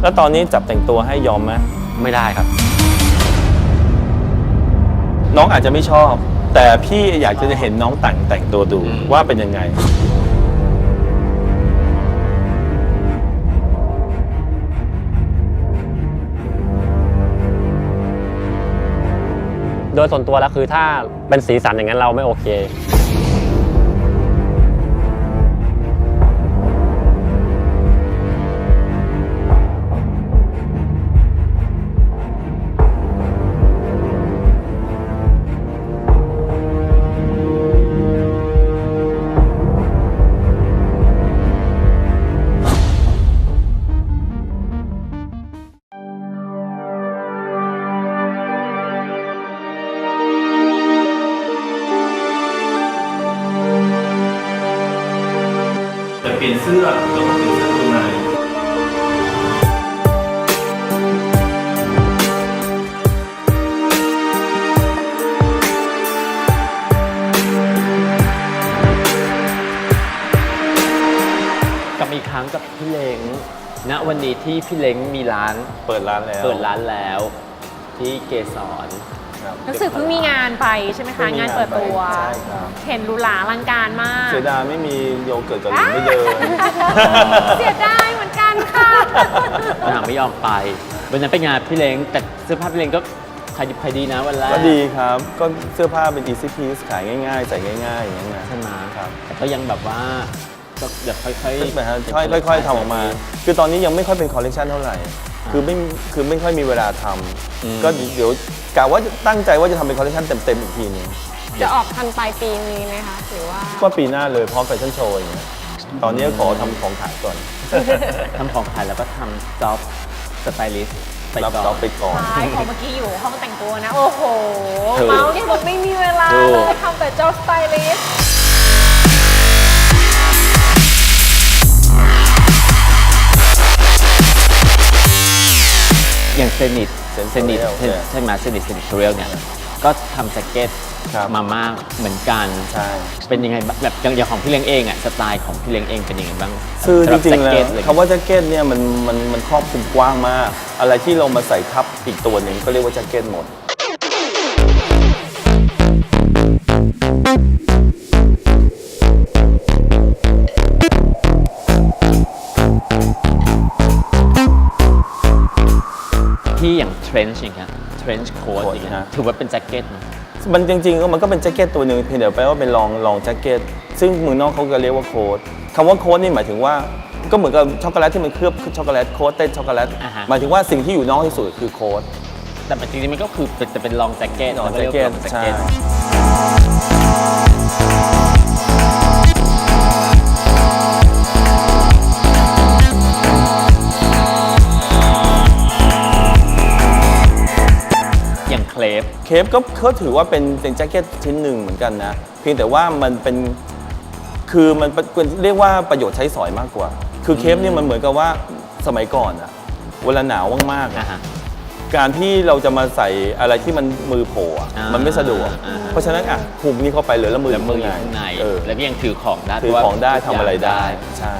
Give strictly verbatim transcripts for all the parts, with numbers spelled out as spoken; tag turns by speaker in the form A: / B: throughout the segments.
A: แล้วตอนนี้จับแต่งตัวให้ยอมไหม
B: ไม่ได้ครับ
A: น้องอาจจะไม่ชอบแต่พี่อยากจะเห็นน้องแต่งแต่งตัวดูว่าเป็นยังไง
B: โดยส่วนตัวแล้วคือถ้าเป็นสีสันอย่างนั้นเราไม่โอเค
A: เปลี่ยนเสื้อเราต้องเปลี่ยนเสื้อตัวใน
C: กับอีกครั้งกับพี่เล้งณวันนี้ที่พี่เล้งมีร้าน
A: เปิดร้านแล้ว
C: เปิดร้านแล้วที่เกสร
D: รู้สึกเพิ่งมีงานไปใช่ไหมคะงานเปิดตัวเห็นหรูหราอลังการมาก
A: เสียดายไม่มีโยเกิร์ตกับหลินไม่เดิน
D: เสียดายเหมือนกันค่ะ
C: นางไม่ยอมไปวันนั้นไปงานพี่เล้งแต่เสื้อผ้าพี่เล้งก็ขายดิบขายดีนะวันแรก
A: ก็ดีครับก็เสื้อผ้าเป็น easy piece ขายง่ายๆใส่ง่ายๆอย่างเงี้ย
C: ใช่ไหม
A: ครับ
C: แต่ก็ยังแบบว่าก็เดี๋ยวค่อยๆ
A: ค่อยๆค่อยๆทำออกมาคือตอนนี้ยังไม่ค่อยเป็นคอลเลคชันเท่าไหร่คือไม่คือไม่ค่อยมีเวลาทำก็เดี๋ยวกะว่าตั้งใจว่าจะทำเป็นคอลเลคชันเต็มๆอีกทีนึง
D: จะออกทันปลายปีนี้ไหมคะหรือว่า
A: ก็ปีหน้าเลยพร้อมแฟชั่นโชว์อย่างเงี้ยตอนนี้ขอทำของขายก่อน
C: ทำของขายแล้วก็ทำจ็อบสไตลิสต์ไปก่อน
A: รับจ็อบไปก่อน
D: ใช่พอเมื่อกี้อยู่ห้องแต่งตัวนะโอ้โหเมาส์เนี่ยบอกไม่มีเวลาเลยทำแต่จ็อบสไตลิสต์
C: อย่างเซนิตเซนิตใช่ไหมเซนิตเซนิตเรียลเนี่ยก็ทำแจ็คเก็ตมามากเหมือนกัน
A: ใช่
C: เป็นยังไงแบบอย่างของพี่เล้งเองอ่ะสไตล์ของพี่เล้งเองเป็นยังไงบ้าง
A: คือจริงๆแล้วคำว่าแจ็คเก็ตเนี่ยมันมันมันครอบคลุมกว้างมากอะไรที่เรามาใส่ทับอีกตัวหนึ่งก็เรียกว่าแจ็คเก็ตหมด
C: ที่อย่างเทรนช์อย่างเงี้ยเทรนช์โค้ทอย่างเงี้ยถือว่าเป็นแจ็คเก็ต
A: มันจริงๆก็มันก็เป็นแจ็คเก็ตตัวหนึ่งเพียงแต่แปลว่าเป็นลองลองแจ็คเก็ตซึ่งเมืองนอกเขาก็เรียกว่าโค้ทคำว่าโค้ทนี่หมายถึงว่าก็เหมือนกับช็อกโกแลตที่มันเคลือบช็อกโกแลตโค้ทเต้นช็อกโกแลตหมายถึงว่าสิ่งที่อยู่นอกที่สุดคือโค้ท
C: แต่จริงๆมันก็คือจะเป็นลองแจ็คเก็ต
A: ลองแจ็คเก็ตใช่
C: เคลฟ
A: เคฟก็เขาถือว่าเป็นเป็นแจ็คเก็ตชิ้นหนึ่งเหมือนกันนะเพียงแต่ว่ามันเป็นคือมันเรียกว่าประโยชน์ใช้สอยมากกว่าคือเคฟเนี่ยมันเหมือนกับว่าสมัยก่อนอะเวลาหนาวมากๆการที่เราจะมาใส่อะไรที่มันมือโผล่มันไม่สะดวกเพราะฉะนั้นอ่ะหุบนี่เข้าไปเลยแล้วมือ
C: มืออยู่ข้างในแล้วก็ยังถือของได้
A: ถือของได้ทำอะไรได้ใช่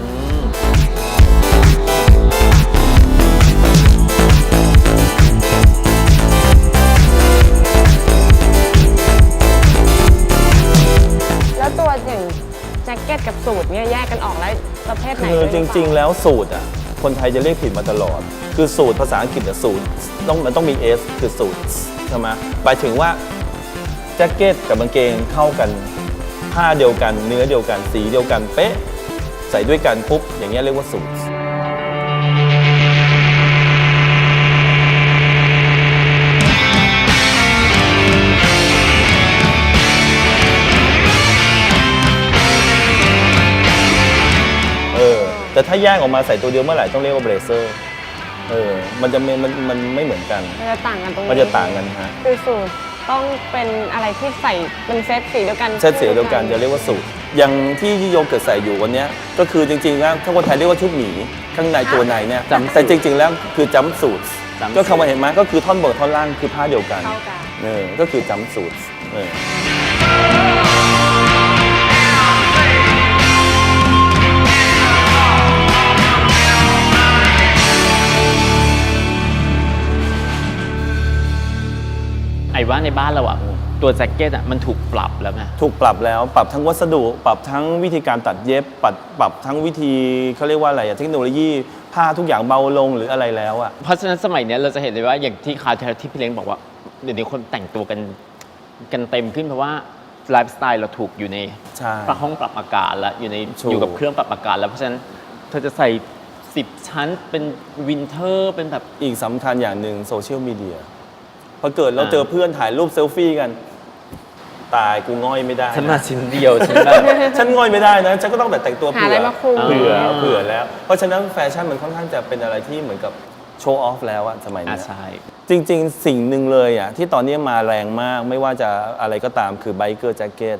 D: ตัวอย่างแจ็คเก็ตกับสูทเนี่ยแยกกันออกแล้วประเภทไหน
A: คือจริงๆแล้วสูทอ่ะคนไทยจะเรียกผิดมาตลอดคือสูทภาษาอังกฤษอะสูทต้องมันต้องมี S คือสูทใช่ไหมหมายถึงว่าแจ็คเก็ตกับกางเกงเข้ากันผ้าเดียวกันเนื้อเดียวกันสีเดียวกันเป๊ะใส่ด้วยกันปุ๊บอย่างเงี้ยเรียกว่าสูทแต่ถ้าแยกออกมาใส่ตัวเดียวเมื่อไหร่ต้องเรียกว่าเบรเซอร์เออมันจะมันมันไม่เหมือนกัน
D: มันจะต่างกันตรงนี้
A: มันจะต่างกันฮะ
D: คือสูตรต้องเป็นอะไรที่ใส่เป็นเซตสีเดียวกัน
A: เซตสีเดียวกันจะเรียกว่าสูตรอย่างที่โยเกิร์ตใส่อยู่วันนี้ก็คือจริงๆแล้วถ้าคนไทยเรียกว่าชุดหมีข้างในตัวในเนี่ยแต่จริงๆแล้วคือจัมป์สูทก็คำว่าเห็นไหมก็คือท่อนบนท่อนล่างคือผ้าเดียวกันเออก็คือจัมป์สูทเออ
C: ในบ้านเราอะตัวแจ็คเก็ตอะมันถูกปรับแล้วไง
A: ถูกปรับแล้วปรับทั้งวัสดุ ปรับทั้งวิธีการตัดเย็บปรับปรับทั้งวิธีเขาเรียกว่าอะไรอะเทคโนโลยีผ้าทุกอย่างเบาลงหรืออะไรแล้วอะ
C: เพราะฉะนั้นสมัยเนี้ยเราจะเห็นเลยว่าอย่างที่คราวที่ที่พี่เล้งบอกว่าเดี๋ยวนี้คนแต่งตัวกันกันเต็มขึ้นเพราะว่าไลฟ์สไตล์เราถูกอยู่ใน
A: ใช่
C: ปรับห้องปรับอากาศแล้วอยู่ใน
A: ถูก
C: อยู่กับเครื่องปรับอากาศแล้วเพราะฉะนั้นเธอจะใส่สิบชั้นเป็นวินเทอร์เป็นแบบ
A: อีกสำคัญอย่างหนึ่งโซเชียลมีเดียพอเกิดเรา
C: อ่า
A: เจอเพื่อนถ่ายรูปเซลฟี่กัน ตายกูง่อยไม่ได้
C: ฉันมาชิ้นเดียวฉันแบบ
A: ฉันง่อยไม่ได้นะฉันก็ต้องแต่แต่งตัว
D: หา
A: เผื่
D: อะไร
A: อ
D: มาคุม
A: เผื่อ
C: อ่า
A: เผื่อแล้ว เพราะฉะนั้นแฟชั่นมันค่อนข้างจะเป็นอะไรที่เหมือนกับโชว์ออฟแล้วอะสมัย
C: อ่า
A: นี้
C: ใช่
A: จริง ๆ สิ่งหนึ่งเลยอะที่ตอนนี้มาแรงมากไม่ว่าจะอะไรก็ตามคือไบเกอร์แจ็คเก็ต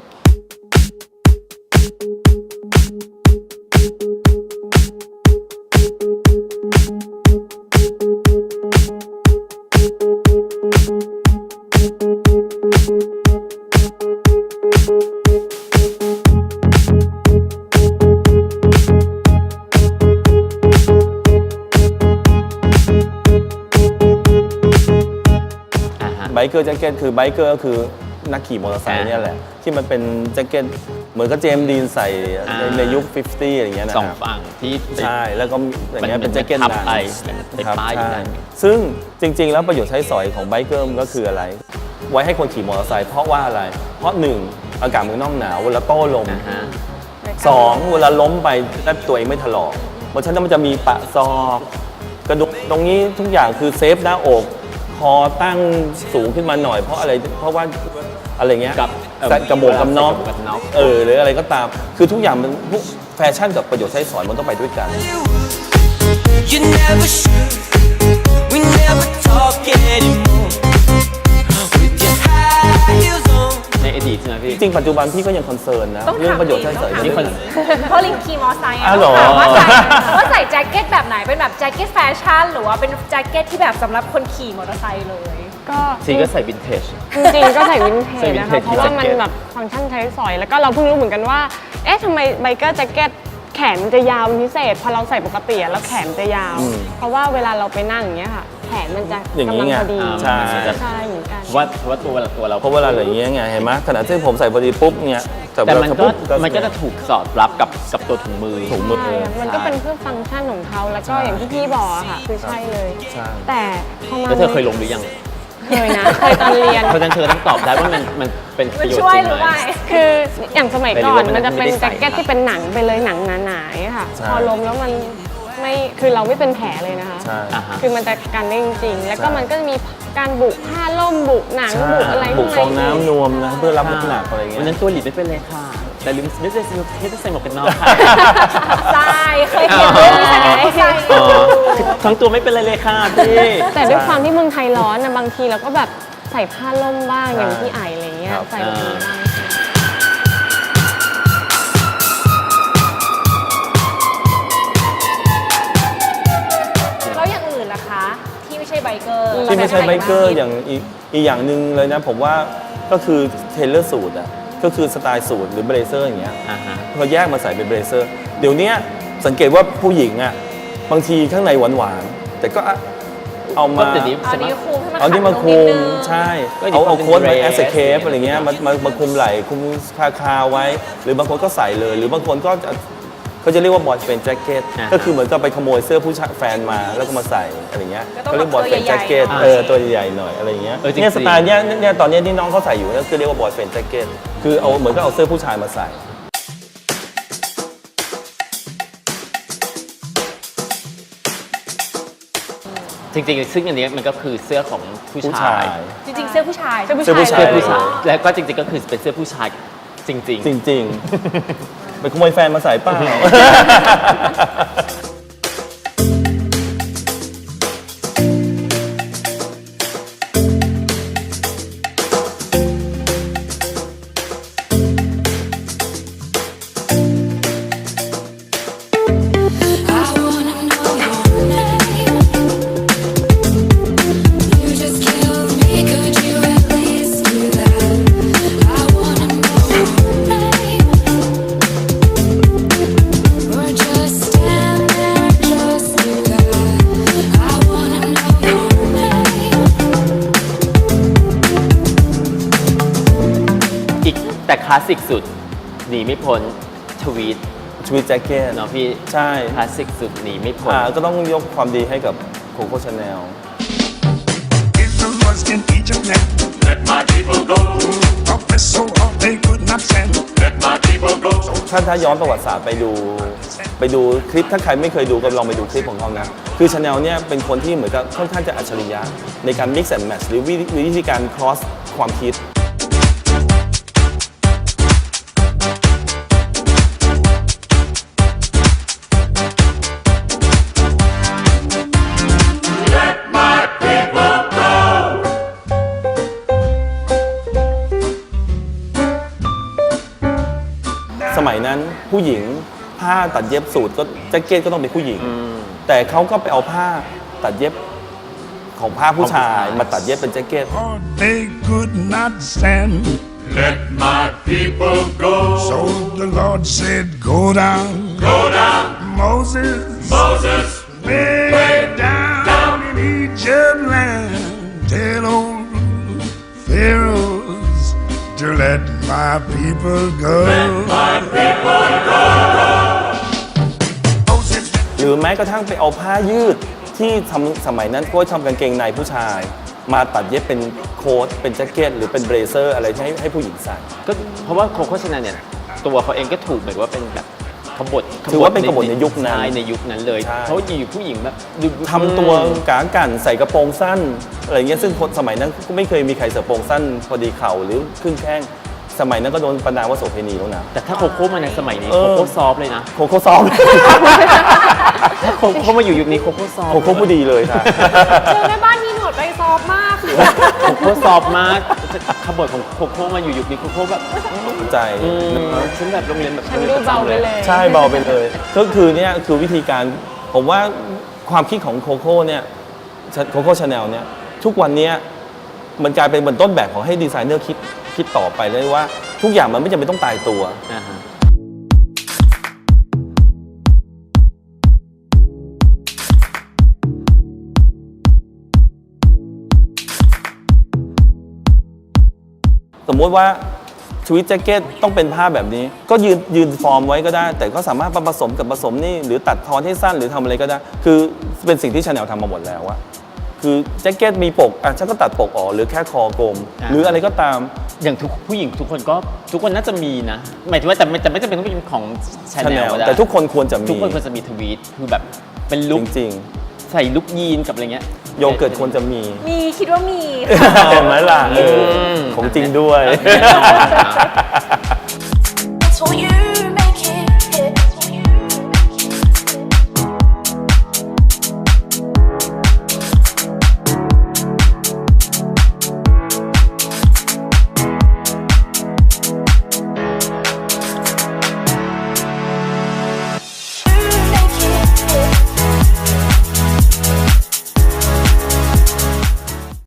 C: อ่าฮะ
A: ไบเกอร์แจ็คเก็ตคือไบเกอร์ก็คือนักขี่มอเตอร์ไซค์เนี่ยแหละ ที่มันเป็นแจ็คเก็ตเหมือนกับเจมส์ดีนใส่ในในยุคห้าสิบอย่างเงี้ยนะ
C: สอง
A: ครับ
C: ฝั่งที่
A: ใช่แล้วก็อย่างเงี้ย
C: มัน
A: เป็นแจ็คเก็ต
C: ทับ
A: หนัง
C: ไปเป็น
A: ครับ
C: ป้ายอยู่
A: ใช่
C: นั่น
A: ซึ่งจริง ๆ แล้วประโยชน์ใช้สอยของไบเกอร์มันก็คืออะไร ไว้ให้คนขี่มอเตอร์ไซค์เพราะว่าอะไร เพราะหนึ่งอากาศเมืองนอกหนาวเวลาโต้ลม
C: นะฮะ
A: สองเวลาล้มไปแล้วตัวเองไม่ถลอกเพราะฉะนั้นมันจะมีปะซอกกระดูกตรงนี้ทุกอย่างคือเซฟหน้าอกคอตั้งสูงขึ้นมาหน่อยเพราะอะไรเพราะว่าอะไรเงี้ย
C: กับเอ่อ
A: ใส่กระโบกกับน็อก
C: กระโบกกับน็อก
A: เออหรืออะไรก็ตาม คือทุกอย่างมันพวกแฟชั่นกับประโยชน์ใช้สอยมันต้องไปด้วยกัน
E: You never should. We never talk anymore. With your high heels on.
C: ในอดีตใช่ไหมพี่
A: จริงๆปัจจุบันพี่ก็ยังคอนเซิร์นนะ
D: ต้องถาม
A: เรื่องประโยชน์ใช้สอย
D: ต้องถาม
A: นี่คน
D: เพราะลิงขี่มอไซค์อะ
A: อ้าวเหรอ
D: ต้องถามว่าใส่ว่าใส่แจ็คเก็ตแบบไหนเป็นแบบแจ็คเก็ตแฟชั่นหรือว่าเป็นแจ็คเก็ตที่แบบสำหรับคนขี่มอเตอร์ไซค์เลย
F: ก็
C: ซีก็ใส่วินเทจ
F: จริงๆก็ใส่วินเท
C: ใส่
F: จ
C: วิน
F: นะ
C: เท
F: คะ
C: จ
F: เพราะว่ามัน
C: แจ็คเก็ต
F: แบบฟังก์ชันใช้สอย แล้วก็เราเพิ่งรู้เหมือนกันว่า เอ๊ะทำไมไบเกอร์แจ็คเก็ตแขนมันจะยาวเป็นพิเศษ พอเราใส่ปกติอะแล้วแขนมันจะยาว
A: อืม
F: เพราะว่าเวลาเราไปนั่งอย่างเงี้ยค่ะ แขนมันจะ
A: อย่างนี้
F: กำลัง
A: ไง
F: พอดี
A: ใช่
F: ใช่เหมือนกัน
C: ว่าว่าตัวเราตัวเรา
A: เพราะเวลาอย่างเงี้ยไงเห็นไหมขณะที่ผมใส่พอดีปุ๊บเนี่ยแต่
C: แต่
A: เวลา
C: มันก็
A: ปุ๊บ
C: มันก็จะถูกสอดรับกับกับตัวถุงมือ
A: ถุงมือ
F: ใช่ค่ะมันก็เป็นเพื่อฟังก์ชันของเขาแล้วก็อย่างที่พี่บอกอะค่ะ คือใช่เลย
A: ใช่
F: แต่พอมา
C: แล้วเธอเคยลงหรือยัง
F: เคยนะเคยตอนเรียน
C: เพราะฉะนั้นเธอต้องตอบได้ว่ามันมันเป็นป
D: มัน
C: ระโยชน์
D: ช่วย
C: จริง
D: หรือ
C: ไหม
D: ไม่
F: คืออย่างสมัยก่อน
C: ไม่รู้ว่ามัน
F: มันจะเป็น
C: ไม่ได้ใส่
F: แจ็คเก็ตที่เป็นหนังไปเลยหนังหนาๆค่ะ
A: ใช่
F: พอล้มแล้วมันไม่คือเราไม่เป็นแผลเลยนะคะ
A: ใช่
C: อ่าฮะ
F: คือมันจะกันได้จริงๆแล้วก็
A: ใช่
F: มันก็จะมีการบุผ้าล่มบุหนัง
A: ใช่
F: บุอะไร
A: บุกฟอง
F: ข้างใน
A: น้ำนวมนะเพื่อรับน้ำหนักอะไรเงี้
C: วัน
A: ย
C: นั้นตัวหลีดไม่เป็นเลยค่ะ แต่ลืมไม่ได้ไม่ได้ใส่หมวกกันน็อกค่ะ
D: ใช่เคยเห็นด้วยที่ใส่มอเตอร์ไซค์
C: อ๋อทั้งตัวไม่เป็นไรเลยค่ะพี่
F: แต่ด้วยความที่เมืองไทยร้อนนะบางทีเราก็แบบใส่ผ้าล่มบ้าง
A: ใช่
F: อย่างที่ไออะไรเงี้ย
A: ครับ
F: ใส่แบบนี้บ้าง
D: แล้วอย่างอื่นล่ะคะ ที่ไม่ใช่ไบเกอร์
A: ที่ไม่ใช่ไบเกอร์
D: ที่
A: อย่างอีกอีกอย่างหนึ่งเลยนะผมว่าก็คือเทเลอร์สูทอ่ะก็คือสไตล์สูทหรือเบรเซอร์อย่างเงี้ย
C: อ่าฮะ
A: พอแยกมาใส่เป็นเบรเซอร์ เดี๋ยวเนี้ยสังเกตว่าผู้หญิงอ่ะบางทีข้างในหวานๆแต่ก็เอามา
C: ก็เดี๋ยวนี้
D: เอานี้คุมให้มัน
A: เอานี่มา
D: ขัดลง
A: คุ
D: นิด
A: ม
D: นึง
A: ใช่
C: ก็อยู่
A: เอาเอา
C: เป็น
A: โค้ดมา
C: dress
A: แอสเคปอะไรเงี้ยมามามาคุมไหล่คุมคาคาไว้ หรือบางคนก็ใส่เลย หรือบางคนก็จะเขาจะเรียกว่าบอยเป็นแจ็คเก็ต
C: อ่าฮะ
A: ก็คือเหมือนกับไปขโมยเสื้อผู้ชายแฟนมาแล้วก็มาใส่อะไรเงี้ย
D: ก็ต้อง
A: เขาเรียกบอยเป็นแจ็คเก็ต
C: ตัวใหญ่ๆ
A: เออตัวใหญ่ๆหน่อยอะไรเงี้ย
C: เออจริงๆ
A: เนี่ยสไตล์เนี้ยเนี่ยตอนเนี้ยที่น้องเขาใส่อยู่ก็คือเรียกว่าบอยเป็นแจ็คเก็ตคือเอาเหมือนกับเอาเสื้อผู้ชายมาใส่
C: จริงๆซึ่งอันนี้มันก็คือเสื้อของผู้
A: ผู้
C: ชา
A: ชาย ย
D: จริงๆเสื้อผู้ชาย
F: เสื้อผู้
A: เสื้อผู้
F: ชา
A: ชาย
F: ย
C: เสื้อ
F: เลย
C: ผู้ชายแล้วก็จริงๆก็คือเป็นเสื้อผู้ชายจริง
A: จริงๆ ไปขโมยแฟนมาใส่เป้า
E: I wanna know your name. You just killed me. Could you at least do that? I wanna know your name. Or just stand there.
C: ลาสสิกสุดหนีไม่พ้นทวีต
A: ทวีตแจ็คเก็ต
C: เนาะพี่
A: ใช่
C: คลาสสิกสุดหนีไม่พ้น
A: อ่าก็ต้องยกความดีให้กับโคโค่ชาแนล
G: Is the lust in Egypt now? Let my people go. Oppressed so hard they could not stand. Let my people go.
A: ถ้าถ้าย้อนประวัติศาสตร์ไปดูไปดูคลิปถ้าใครไม่เคยดูก็ลองไปดูคลิปของเขานะคือชาแนลเนี่ยเป็นคนที่เหมือนกับค่อนข้างจะอัจฉริยะในการ mix and match หรือวิวิธีการ cross ความคิด สมัยนั้นผู้หญิงผ้าตัดเย็บสูทก็แจ็คเก็ตก็ต้องเป็นผู้หญิง แต่เขาก็ไปเอาผ้าตัดเย็บของผ้าผู้ชายมาตัดเย็บเป็นแจ็คเก็ต
G: Hard they could not stand.
H: Let my people go.
G: So the Lord said, Go down.
H: Go down,
G: Moses,
H: Moses.
G: way down, down in Egypt land. Tell old Pharaohs to let my people go.
H: My people go.
G: Moses
A: หรือแม้กระทั่งไปเอาผ้ายืดที่ทำสมัยนั้นก็ทำกางเกงในผู้ชาย มาตัดเย็บเป็นโค้ทเป็นแจ็คเก็ตหรือเป็นเบรเซอร์อะไรให้ให้ผู้หญิงใส่
C: ก็เพราะว่าโคโค่ชาแนลเนี่ยตัวเขาเองก็ถูกแบบว่าเป็นแบบขบฏ
A: ถือว่าเป็นขบฏในยุคนั้น
C: ใช่ในยุคนั้นเลย
A: ใช่
C: เขาอยู่ผู้หญิงแบบดู
A: ทำตัวกางกันใส่กระโปรงสั้นอะไรเงี้ยซึ่งคนสมัยนั้นก็ไม่เคยมีใครใส่กระโปรงสั้นพอดีเข่าหรือครึ่งแข้งสมัยนั้นก็โดนประณามว่าโสเภณีแล้วนะ
C: แต่ถ้าโคโค่มาในสมัยนี้
A: เออ
C: โคโค่ซอฟต์เลยนะ
A: โคโค่ซอฟต์
C: ถ้าโคโค่มาอยู่ยุคนี้โคโค่ซอฟต์
A: โคโค่ผู้ดีเลยค่ะ
D: เจอแม่บ้านมีหนวดไปซอฟต์มาก
C: โคโค่ซอฟต์มากขบฏของโคโค่มาอยู่ยุคนี้โคโค่แบบ
A: ใจ
C: อืมฉันแบบโรงเรียนแบบ
F: ฉันดูเบาไปเลย
A: ใช่เบาไปเลย ก็คือเนี่ยคือวิธีการผมว่าความคิดของโคโค่เนี่ยโคโค่ชาแนลเนี่ยทุกวันเนี้ยมันกลายเป็นเหมือนต้นแบบของให้ดีไซเนอร์คิดคิดต่อไปเลยว่าทุกอย่างมันไม่จำเป็นต้องตายตัว
C: อ่าฮะ
A: สมมติว่าทวีตแจ็คเก็ตต้องเป็นผ้าแบบนี้ ก็ยืนยืนฟอร์มไว้ก็ได้ แต่ก็สามารถมาผสมกับผสมนี่หรือตัดทอนให้สั้นหรือทำอะไรก็ได้ คือเป็นสิ่งที่ชาแนลทำมาหมดแล้วอะคือแจ็คเก็ตมีปกอ่ะฉันก็ตัดปกออกหรือแค่คอกลม
C: อ่า
A: หรืออะไรก็ตาม
C: อย่างทุกผู้หญิงทุกคนก็ทุกคนน่าจะมีนะหมายถึงว่าแต่ไม่แต่ไม่จำเป็นต้องเป็นของชาแนล
A: Chanel
C: ก็ได้
A: แต่ทุกคนควรจะมี
C: ทุกคนควรจะมีทวีตคือแบบเป็นลุค
A: จริง
C: ใส่ลุคยีนกับอะไรเงี้ย
A: ๆ โยเกิร์ตควรจะมี
D: มีคิดว่ามี
A: เห็นไหมล่ะเออ
C: ม
A: ของจริงด้วย
C: แน่นอนนะ
E: That's what you